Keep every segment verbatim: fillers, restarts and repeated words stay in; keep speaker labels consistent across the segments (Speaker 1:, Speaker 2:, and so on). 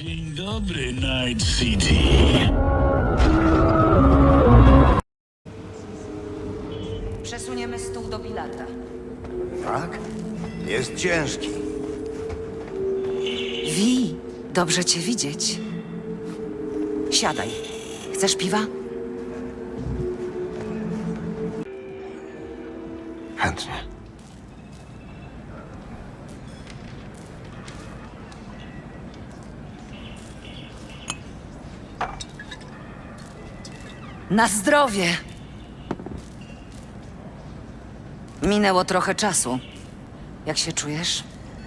Speaker 1: Dzień dobry, Night City.
Speaker 2: Przesuniemy stół do pilata.
Speaker 3: Tak? Jest ciężki.
Speaker 2: Wi, dobrze cię widzieć. Siadaj. Chcesz piwa?
Speaker 3: Chętnie.
Speaker 2: Na zdrowie! Minęło trochę czasu. Jak się czujesz?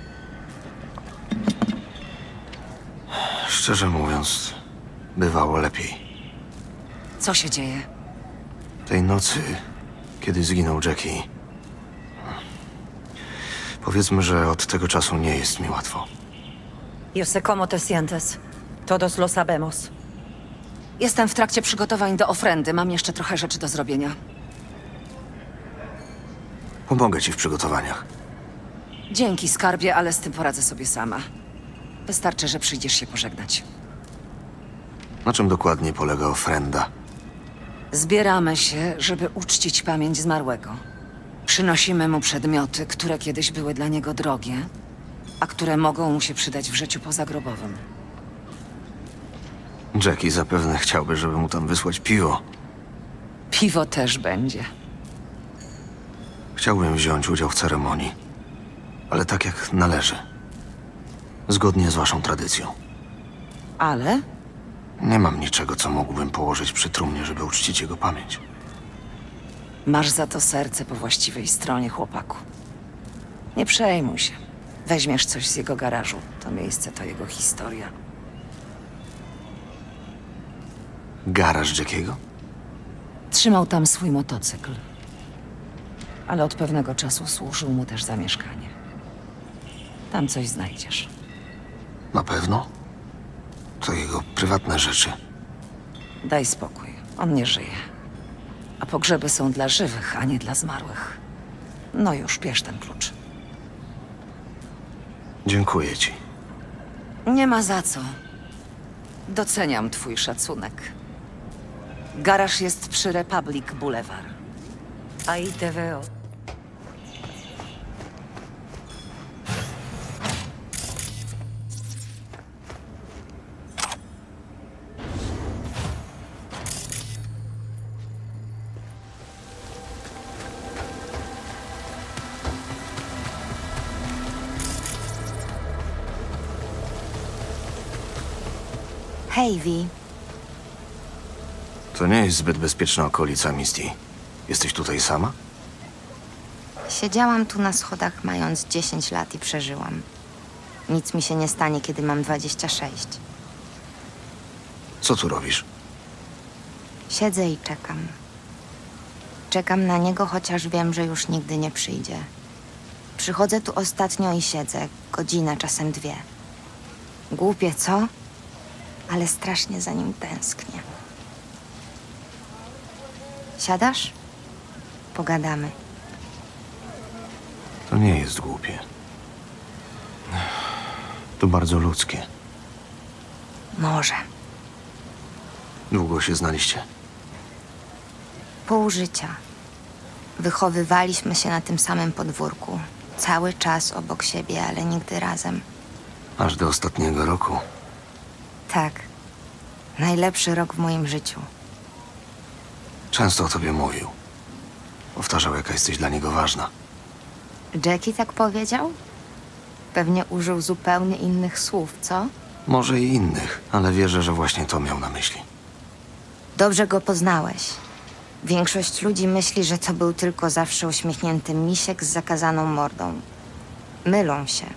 Speaker 3: Szczerze mówiąc, bywało lepiej.
Speaker 2: Co się dzieje?
Speaker 3: Tej nocy, kiedy zginął Jackie, powiedzmy, że od tego czasu nie jest mi łatwo.
Speaker 4: Yo sé cómo te sientes. Todos lo sabemos.
Speaker 2: Jestem w trakcie przygotowań do ofrendy. Mam jeszcze trochę rzeczy do zrobienia.
Speaker 3: Pomogę ci w przygotowaniach.
Speaker 2: Dzięki, skarbie, ale z tym poradzę sobie sama. Wystarczy, że przyjdziesz się pożegnać.
Speaker 3: Na czym dokładnie polega ofrenda?
Speaker 2: Zbieramy się, żeby uczcić pamięć zmarłego. Przynosimy mu przedmioty, które kiedyś były dla niego drogie, a które mogą mu się przydać w życiu pozagrobowym.
Speaker 3: Jackie zapewne chciałby, żeby mu tam wysłać piwo.
Speaker 2: Piwo też będzie.
Speaker 3: Chciałbym wziąć udział w ceremonii, ale tak jak należy. Zgodnie z waszą tradycją.
Speaker 2: Ale
Speaker 3: Nie mam niczego, co mógłbym położyć przy trumnie, żeby uczcić jego pamięć.
Speaker 2: masz za to serce po właściwej stronie, chłopaku. Nie przejmuj się. Weźmiesz coś z jego garażu. To miejsce to jego historia.
Speaker 3: Garaż Jackiego?
Speaker 2: Trzymał tam swój motocykl. Ale od pewnego czasu służył mu też za mieszkanie. Tam coś znajdziesz.
Speaker 3: Na pewno? To jego prywatne rzeczy.
Speaker 2: Daj spokój. On nie żyje. A pogrzeby są dla żywych, a nie dla zmarłych. No już, bierz ten klucz.
Speaker 3: Dziękuję ci.
Speaker 2: Nie ma za co. Doceniam twój szacunek. Garaż jest przy Republic Boulevard.
Speaker 4: Ahí te veo.
Speaker 5: Hej, Vi.
Speaker 3: To nie jest zbyt bezpieczna okolica, Misty. Jesteś tutaj sama?
Speaker 5: Siedziałam tu na schodach mając dziesięć lat i przeżyłam. Nic mi się nie stanie, kiedy mam dwadzieścia sześć.
Speaker 3: Co tu robisz?
Speaker 5: Siedzę i czekam. Czekam na niego, chociaż wiem, że już nigdy nie przyjdzie. Przychodzę tu ostatnio i siedzę, godzinę, czasem dwie. Głupie, co? Ale strasznie za nim tęsknię. Siadasz? Pogadamy.
Speaker 3: To nie jest głupie. To bardzo ludzkie.
Speaker 5: Może.
Speaker 3: Długo się znaliście?
Speaker 5: Pół życia. Wychowywaliśmy się na tym samym podwórku. Cały czas obok siebie, ale nigdy razem.
Speaker 3: Aż do ostatniego roku.
Speaker 5: Tak. Najlepszy rok w moim życiu.
Speaker 3: Często o tobie mówił. Powtarzał, jaka jesteś dla niego ważna.
Speaker 5: Jackie tak powiedział? Pewnie użył zupełnie innych słów, co?
Speaker 3: Może i innych, ale wierzę, że właśnie to miał na myśli.
Speaker 5: Dobrze go poznałeś. Większość ludzi myśli, że to był tylko zawsze uśmiechnięty misiek z zakazaną mordą. Mylą się.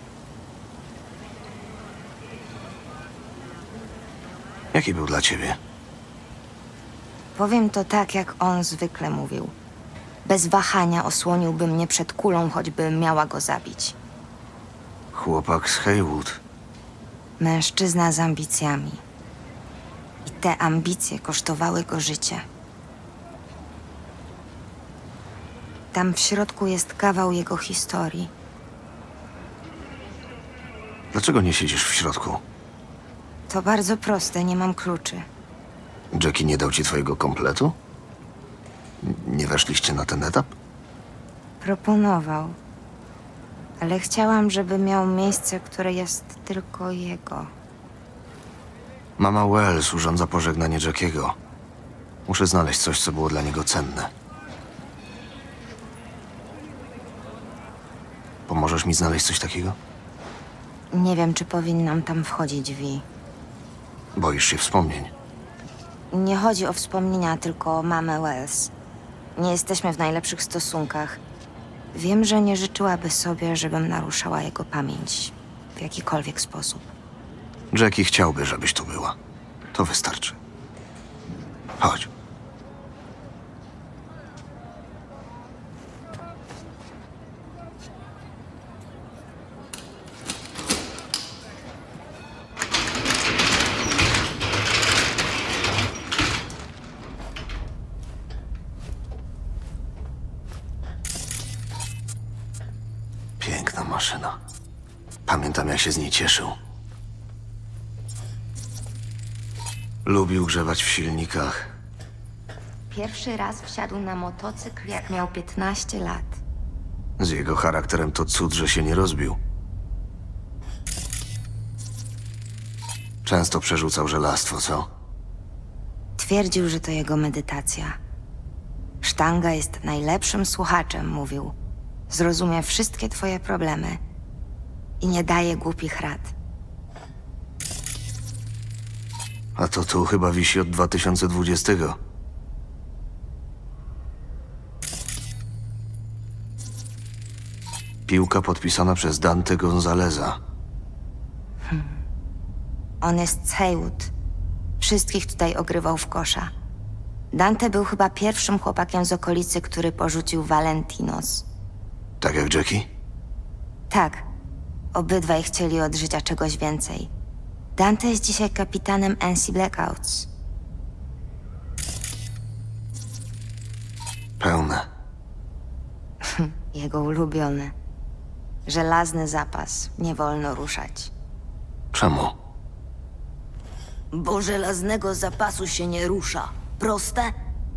Speaker 3: Jaki był dla ciebie?
Speaker 5: Powiem to tak, jak on zwykle mówił. Bez wahania osłoniłby mnie przed kulą, choćbym miała go zabić.
Speaker 3: Chłopak z Haywood.
Speaker 5: Mężczyzna z ambicjami. I te ambicje kosztowały go życie. Tam w środku jest kawał jego historii.
Speaker 3: Dlaczego nie siedzisz w środku?
Speaker 5: To bardzo proste, nie mam kluczy.
Speaker 3: Jackie nie dał ci twojego kompletu? N- Nie weszliście na ten etap?
Speaker 5: Proponował. Ale chciałam, żeby miał miejsce, które jest tylko jego.
Speaker 3: Mama Wells urządza pożegnanie Jackiego. Muszę znaleźć coś, co było dla niego cenne. Pomożesz mi znaleźć coś takiego?
Speaker 5: Nie wiem, czy powinnam tam wchodzić, Vi.
Speaker 3: Boisz się wspomnień.
Speaker 5: Nie chodzi o wspomnienia, tylko o mamę Wells. Nie jesteśmy w najlepszych stosunkach. Wiem, że nie życzyłaby sobie, żebym naruszała jego pamięć w jakikolwiek sposób.
Speaker 3: Jackie chciałby, żebyś tu była. To wystarczy. Chodź. Piękna maszyna. Pamiętam, jak się z niej cieszył. Lubił grzebać w silnikach.
Speaker 5: Pierwszy raz wsiadł na motocykl, jak miał piętnaście lat.
Speaker 3: Z jego charakterem to cud, że się nie rozbił. Często przerzucał żelastwo, co?
Speaker 5: Twierdził, że to jego medytacja. Sztanga jest najlepszym słuchaczem, mówił. Zrozumie wszystkie twoje problemy i nie daje głupich rad.
Speaker 3: A to tu chyba wisi od dwa tysiące dwudziestego. Piłka podpisana przez Dante Gonzaleza.
Speaker 5: On jest z Haywood. Wszystkich tutaj ogrywał w kosza. Dante był chyba pierwszym chłopakiem z okolicy, który porzucił Valentinos.
Speaker 3: Tak jak Jackie?
Speaker 5: Tak, obydwaj chcieli od życia czegoś więcej. Dante jest dzisiaj kapitanem N C Blackouts.
Speaker 3: Pełne.
Speaker 5: Jego ulubiony. Żelazny zapas, nie wolno ruszać.
Speaker 3: Czemu?
Speaker 5: Bo żelaznego zapasu się nie rusza. Proste?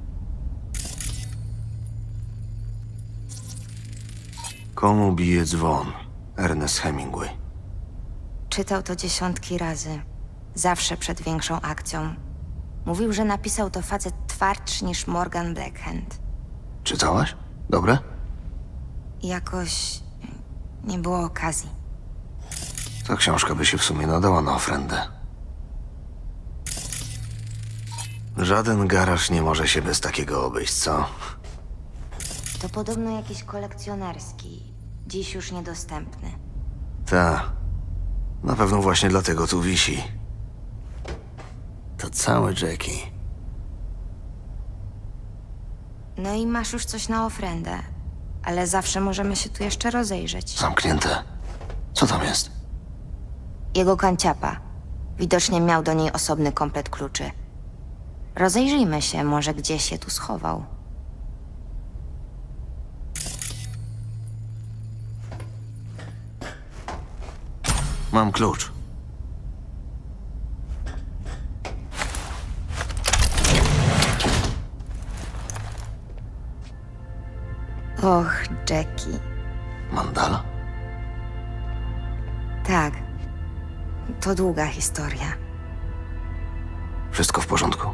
Speaker 3: Komu bije dzwon? Ernest Hemingway.
Speaker 5: Czytał to dziesiątki razy. Zawsze przed większą akcją. Mówił, że napisał to facet twardszy niż Morgan Blackhand.
Speaker 3: Czytałaś? Dobre?
Speaker 5: Jakoś nie było okazji.
Speaker 3: Ta książka by się w sumie nadała na ofrendę. Żaden garaż nie może się bez takiego obejść, co?
Speaker 5: To podobno jakiś kolekcjonerski. Dziś już niedostępny.
Speaker 3: Ta. Na pewno właśnie dlatego tu wisi. To całe Jackie.
Speaker 5: No i masz już coś na ofrendę. Ale zawsze możemy się tu jeszcze rozejrzeć.
Speaker 3: Zamknięte. Co tam jest?
Speaker 5: Jego kanciapa. Widocznie miał do niej osobny komplet kluczy. Rozejrzyjmy się, może gdzieś je tu schował.
Speaker 3: Mam klucz.
Speaker 5: Och, Jackie.
Speaker 3: Mandala?
Speaker 5: Tak. To długa historia.
Speaker 3: Wszystko w porządku?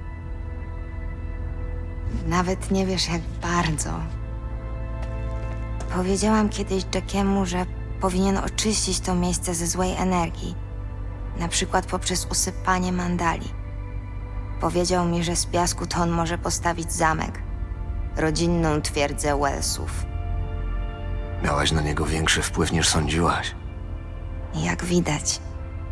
Speaker 5: Nawet nie wiesz, jak bardzo. Powiedziałam kiedyś Jackiemu, że powinien oczyścić to miejsce ze złej energii. Na przykład poprzez usypanie mandali. Powiedział mi, że z piasku to on może postawić zamek. Rodzinną twierdzę Wellsów.
Speaker 3: Miałaś na niego większy wpływ niż sądziłaś.
Speaker 5: Jak widać.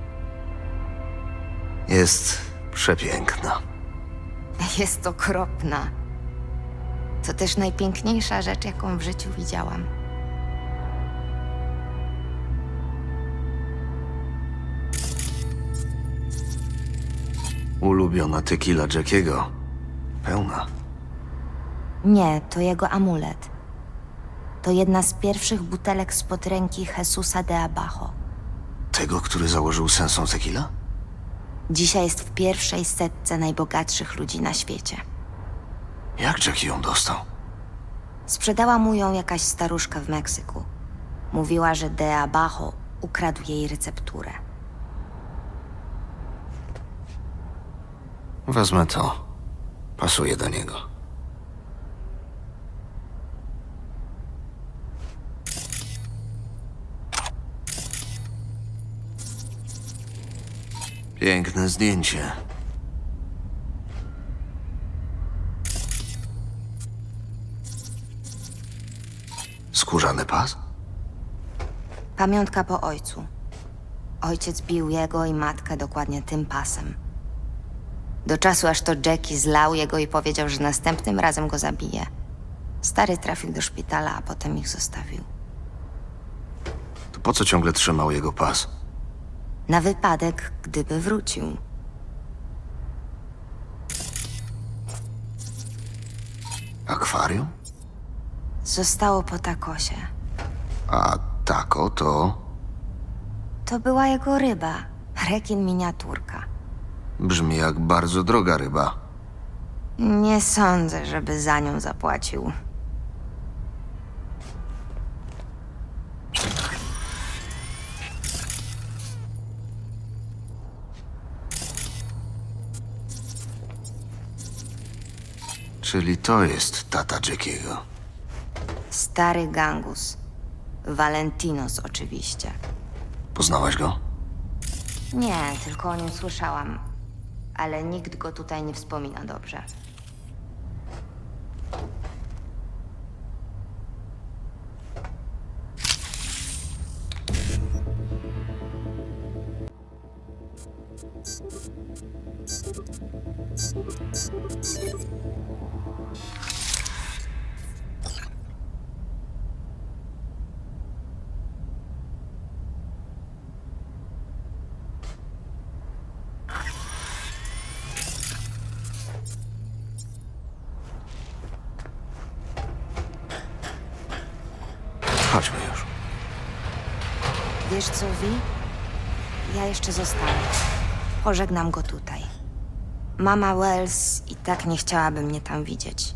Speaker 3: Jest przepiękna.
Speaker 5: Jest okropna. To też najpiękniejsza rzecz, jaką w życiu widziałam.
Speaker 3: Ulubiona tequila Jackiego. Pełna.
Speaker 5: Nie, to jego amulet. To jedna z pierwszych butelek spod ręki Jesusa de Abajo.
Speaker 3: Tego, który założył sensą tequila?
Speaker 5: Dzisiaj jest w pierwszej setce najbogatszych ludzi na świecie.
Speaker 3: Jak Jackie ją dostał?
Speaker 5: Sprzedała mu ją jakaś staruszka w Meksyku. Mówiła, że de Abajo ukradł jej recepturę.
Speaker 3: Wezmę to. Pasuje do niego. Piękne zdjęcie. Skórzany pas?
Speaker 5: Pamiątka po ojcu. Ojciec bił jego i matkę dokładnie tym pasem. Do czasu, aż to Jackie zlał jego i powiedział, że następnym razem go zabije. Stary trafił do szpitala, a potem ich zostawił.
Speaker 3: To po co ciągle trzymał jego pas?
Speaker 5: Na wypadek, gdyby wrócił.
Speaker 3: Akwarium?
Speaker 5: Zostało po takosie.
Speaker 3: A tako to...
Speaker 5: To była jego ryba. Rekin miniaturka.
Speaker 3: Brzmi jak bardzo droga ryba.
Speaker 5: Nie sądzę, żeby za nią zapłacił.
Speaker 3: Czyli to jest tata Jackiego.
Speaker 5: Stary gangus. Valentinos oczywiście.
Speaker 3: Poznałaś go?
Speaker 5: Nie, tylko o nim słyszałam. Ale nikt go tutaj nie wspomina dobrze.
Speaker 3: Chodźmy już.
Speaker 5: Wiesz co, Vi? Ja jeszcze zostanę. Pożegnam go tutaj. Mama Wells i tak nie chciałaby mnie tam widzieć.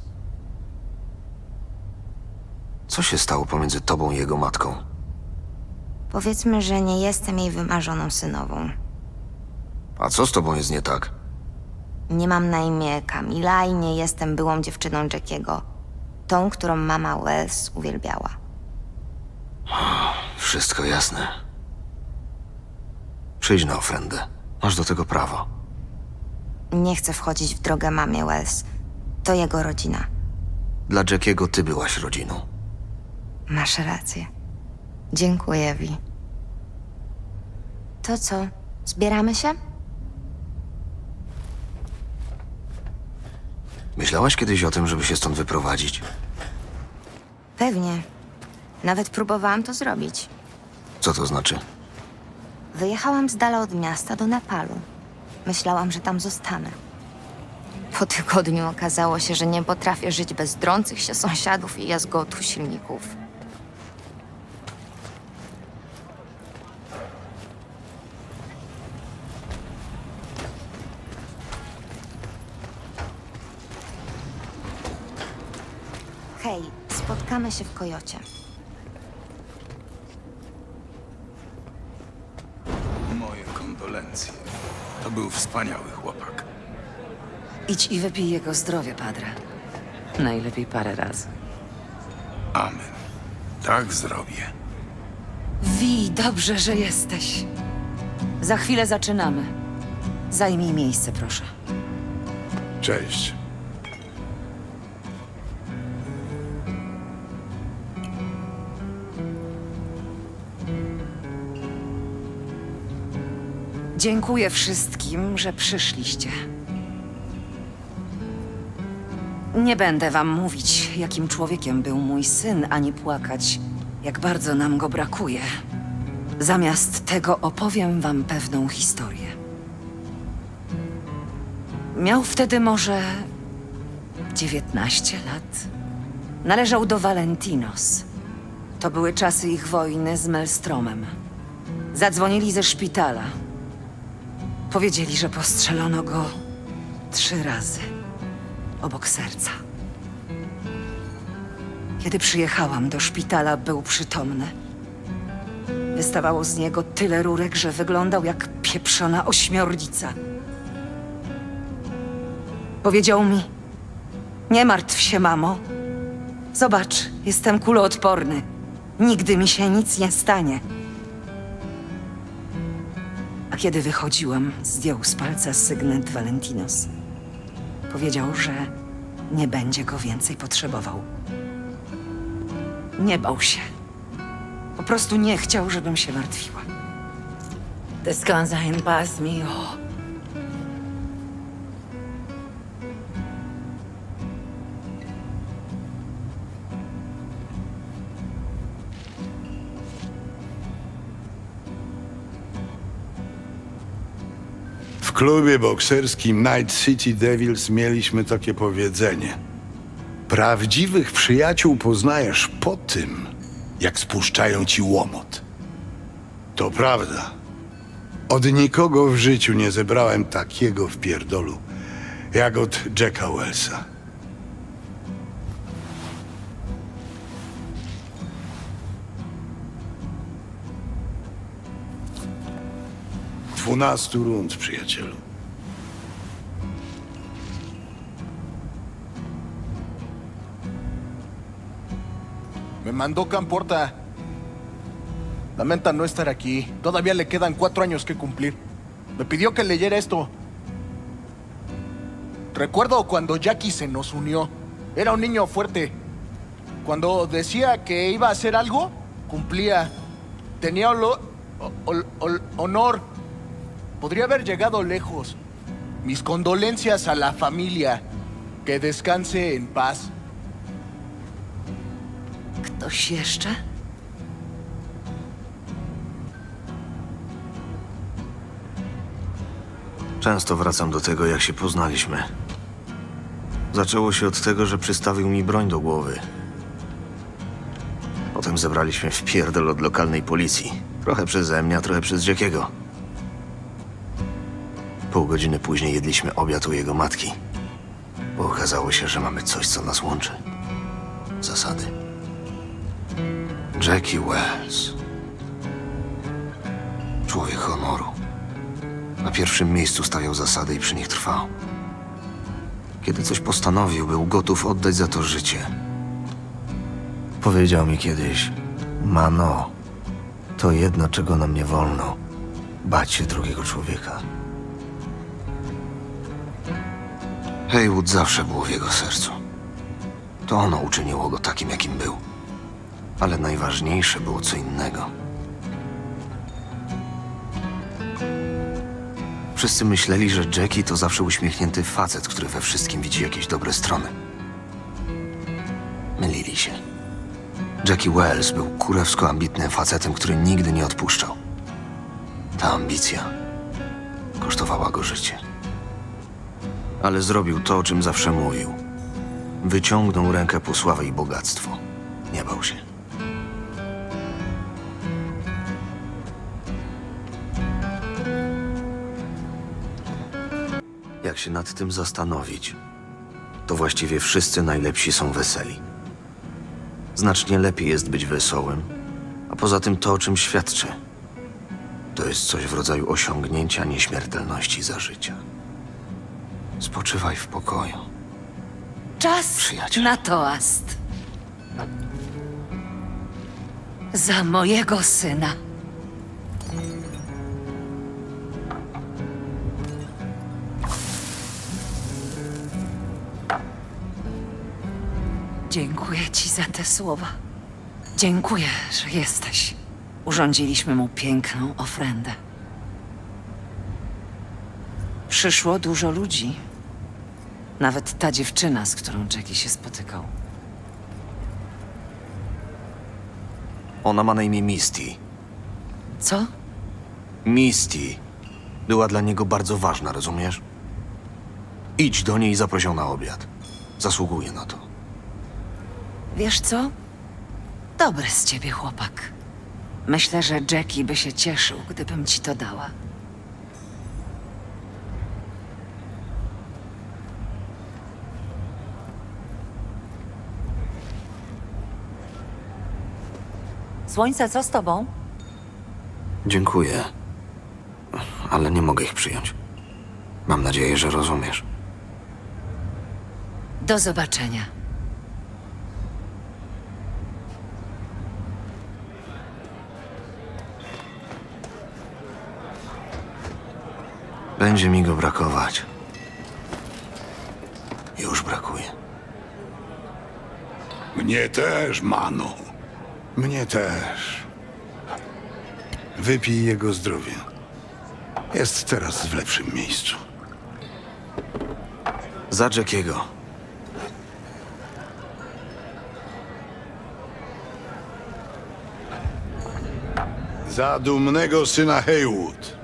Speaker 3: Co się stało pomiędzy tobą i jego matką?
Speaker 5: Powiedzmy, że nie jestem jej wymarzoną synową.
Speaker 3: A co z tobą jest nie tak?
Speaker 5: Nie mam na imię Kamila i nie jestem byłą dziewczyną Jackiego. Tą, którą mama Wells uwielbiała.
Speaker 3: Wszystko jasne. Przyjdź na ofrendę. Masz do tego prawo.
Speaker 5: Nie chcę wchodzić w drogę mamie Wells. To jego rodzina.
Speaker 3: Dla Jackiego ty byłaś rodziną.
Speaker 5: Masz rację. Dziękuję, Vi. To co? Zbieramy się?
Speaker 3: Myślałaś kiedyś o tym, żeby się stąd wyprowadzić?
Speaker 5: Pewnie. Nawet próbowałam to zrobić.
Speaker 3: Co to znaczy?
Speaker 5: Wyjechałam z dala od miasta do Nepalu. Myślałam, że tam zostanę. Po tygodniu okazało się, że nie potrafię żyć bez drących się sąsiadów i jazgotu silników. Hej, spotkamy się w Kojocie.
Speaker 1: Moje kondolencje. To był wspaniały chłopak.
Speaker 2: Idź i wypij jego zdrowie, padre. Najlepiej parę razy.
Speaker 1: Amen. Tak zrobię.
Speaker 2: Wi, dobrze, że jesteś. Za chwilę zaczynamy. Zajmij miejsce, proszę.
Speaker 1: Cześć.
Speaker 2: Dziękuję wszystkim, że przyszliście. Nie będę wam mówić, jakim człowiekiem był mój syn, ani płakać, jak bardzo nam go brakuje. Zamiast tego opowiem wam pewną historię. Miał wtedy może dziewiętnaście lat. Należał do Valentinos. To były czasy ich wojny z Maelstromem. Zadzwonili ze szpitala. Powiedzieli, że postrzelono go trzy razy obok serca. Kiedy przyjechałam do szpitala, był przytomny. Wystawało z niego tyle rurek, że wyglądał jak pieprzona ośmiornica. Powiedział mi: nie martw się, mamo. Zobacz, jestem kuloodporny. Nigdy mi się nic nie stanie. A kiedy wychodziłam, zdjął z palca sygnet Valentinos. Powiedział, że nie będzie go więcej potrzebował. Nie bał się. Po prostu nie chciał, żebym się martwiła.
Speaker 4: Descansa en paz, mijo.
Speaker 1: W klubie bokserskim Night City Devils mieliśmy takie powiedzenie. Prawdziwych przyjaciół poznajesz po tym, jak spuszczają ci łomot. To prawda. Od nikogo w życiu nie zebrałem takiego wpierdolu, jak od Jacka Wellsa. Dwunastu rund, przyjacielu.
Speaker 6: Me mandó Camporta. Lamenta no estar aquí. Todavía le quedan cuatro años que cumplir. Me pidió que leyera esto. Recuerdo cuando Jackie se nos unió. Era un niño fuerte. Cuando decía que iba a hacer algo, cumplía. Tenía olo- ol- ol- honor. Podría haber llegado lejos. Mis condolencias a la familia. Que descanse en paz.
Speaker 2: Ktoś jeszcze?
Speaker 3: Często wracam do tego, jak się poznaliśmy. Zaczęło się od tego, że przystawił mi broń do głowy. Potem zebraliśmy wpierdol od lokalnej policji. Trochę przeze mnie, a trochę przez Jackiego. Pół godziny później jedliśmy obiad u jego matki. Bo okazało się, że mamy coś, co nas łączy. Zasady. Jackie Wells. Człowiek honoru. Na pierwszym miejscu stawiał zasady i przy nich trwał. Kiedy coś postanowił, był gotów oddać za to życie. Powiedział mi kiedyś: Mano, to jedno, czego nam nie wolno. Bać się drugiego człowieka. Haywood zawsze było w jego sercu. To ono uczyniło go takim, jakim był. Ale najważniejsze było co innego. Wszyscy myśleli, że Jackie to zawsze uśmiechnięty facet, który we wszystkim widzi jakieś dobre strony. Mylili się. Jackie Wells był kurewsko ambitnym facetem, który nigdy nie odpuszczał. Ta ambicja kosztowała go życie. Ale zrobił to, o czym zawsze mówił. Wyciągnął rękę po sławę i bogactwo. Nie bał się. Jak się nad tym zastanowić, to właściwie wszyscy najlepsi są weseli. Znacznie lepiej jest być wesołym, a poza tym to, o czym świadczy, to jest coś w rodzaju osiągnięcia nieśmiertelności za życia. Spoczywaj w pokoju.
Speaker 2: Czas
Speaker 3: Przyjaciel.
Speaker 2: na toast. Za mojego syna. Dziękuję ci za te słowa. Dziękuję, że jesteś. Urządziliśmy mu piękną ofrendę. Przyszło dużo ludzi. Nawet ta dziewczyna, z którą Jackie się spotykał.
Speaker 3: Ona ma na imię Misty.
Speaker 2: Co?
Speaker 3: Misty była dla niego bardzo ważna, rozumiesz? Idź do niej i zaproś ją na obiad. Zasługuje na to.
Speaker 2: Wiesz co? Dobry z ciebie chłopak. Myślę, że Jackie by się cieszył, gdybym ci to dała.
Speaker 4: Słońce, co z tobą?
Speaker 3: Dziękuję, ale nie mogę ich przyjąć. Mam nadzieję, że rozumiesz.
Speaker 2: Do zobaczenia.
Speaker 3: Będzie mi go brakować. Już brakuje.
Speaker 1: Mnie też, Manu. Mnie też. Wypij jego zdrowie. Jest teraz w lepszym miejscu.
Speaker 3: Za Jackiego.
Speaker 1: Za dumnego syna Haywood.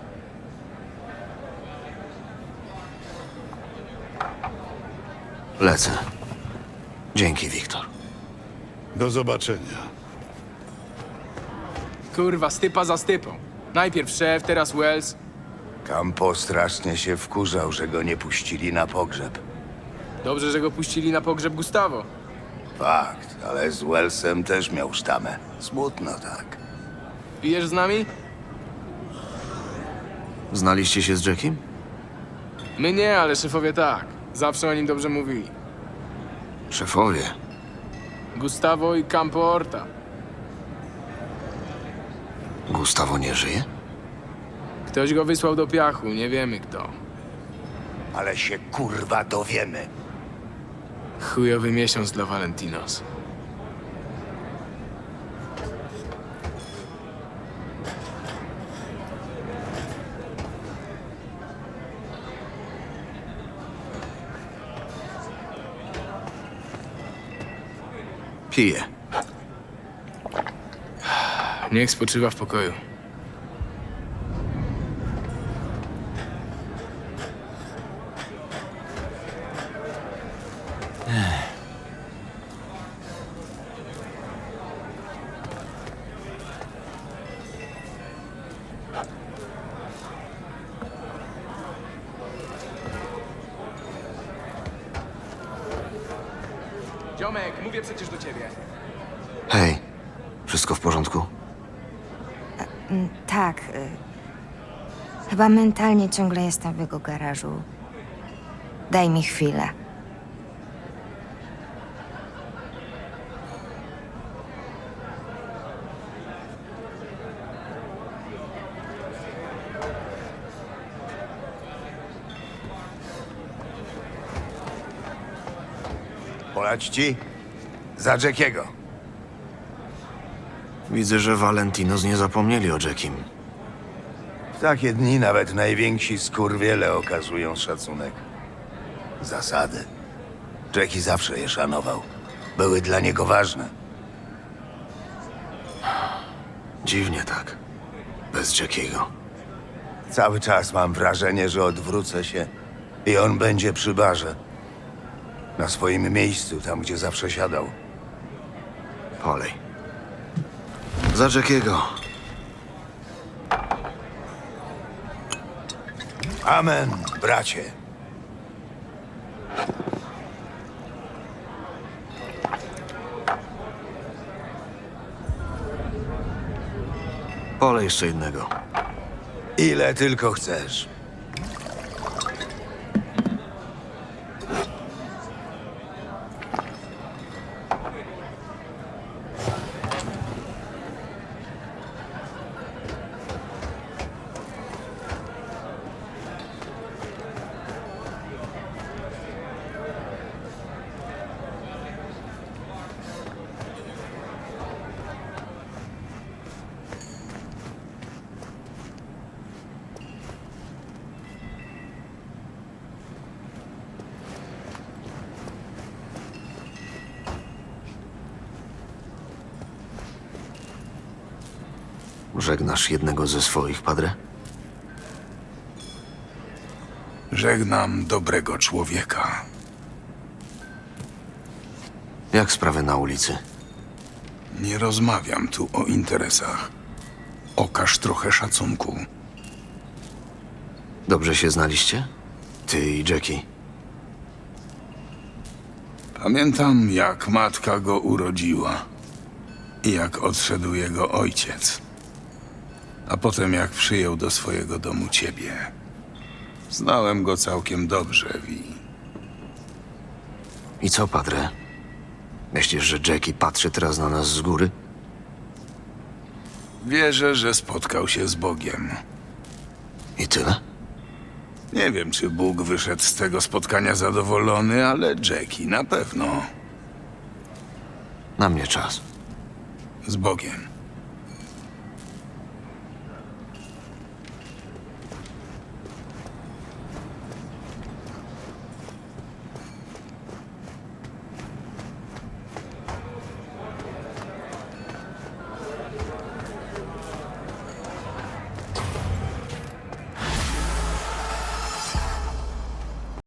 Speaker 3: Lecę. Dzięki, Wiktor.
Speaker 1: Do zobaczenia.
Speaker 7: Kurwa, stypa za stypą. Najpierw szef, teraz Wells.
Speaker 8: Campo strasznie się wkurzał, że go nie puścili na pogrzeb.
Speaker 7: Dobrze, że go puścili na pogrzeb Gustavo.
Speaker 8: Fakt, ale z Wellsem też miał sztamę. Smutno tak.
Speaker 7: Pijesz z nami?
Speaker 3: Znaliście się z Jackiem?
Speaker 7: My nie, ale szefowie tak. Zawsze o nim dobrze mówili.
Speaker 3: Szefowie.
Speaker 7: Gustavo i Campo Horta.
Speaker 3: Gustavo nie żyje?
Speaker 7: Ktoś go wysłał do piachu, nie wiemy kto.
Speaker 8: Ale się kurwa dowiemy.
Speaker 7: Chujowy miesiąc dla Valentinos.
Speaker 3: Piję.
Speaker 7: Niech spoczywa w pokoju. Ziomek, mówię przecież do ciebie.
Speaker 3: Hej, wszystko w porządku?
Speaker 5: Tak. y, Chyba mentalnie ciągle jestem w jego garażu. Daj mi chwilę.
Speaker 8: Polać ci? Za Jackiego.
Speaker 3: Widzę, że Valentinos nie zapomnieli o Jackim.
Speaker 8: W takie dni nawet najwięksi skurwiele okazują szacunek. Zasady. Jackie zawsze je szanował. Były dla niego ważne.
Speaker 3: Dziwnie tak. Bez Jackiego.
Speaker 8: Cały czas mam wrażenie, że odwrócę się i on będzie przy barze. Na swoim miejscu, tam gdzie zawsze siadał.
Speaker 3: Polej. Za Jackiego.
Speaker 8: Amen, bracie.
Speaker 3: Polej jeszcze jednego.
Speaker 8: Ile tylko chcesz.
Speaker 3: Żegnasz jednego ze swoich, padre?
Speaker 9: Żegnam dobrego człowieka.
Speaker 3: Jak sprawy na ulicy?
Speaker 9: Nie rozmawiam tu o interesach. Okaż trochę szacunku.
Speaker 3: Dobrze się znaliście? Ty i Jackie.
Speaker 9: Pamiętam, jak matka go urodziła. i jak odszedł jego ojciec. A potem jak przyjął do swojego domu ciebie. Znałem go całkiem dobrze, Vi.
Speaker 3: I co, Padre? Myślisz, że Jackie patrzy teraz na nas z góry?
Speaker 9: Wierzę, że spotkał się z Bogiem.
Speaker 3: I tyle?
Speaker 9: Nie wiem, czy Bóg wyszedł z tego spotkania zadowolony, ale Jackie na pewno.
Speaker 3: Na mnie czas.
Speaker 9: Z Bogiem.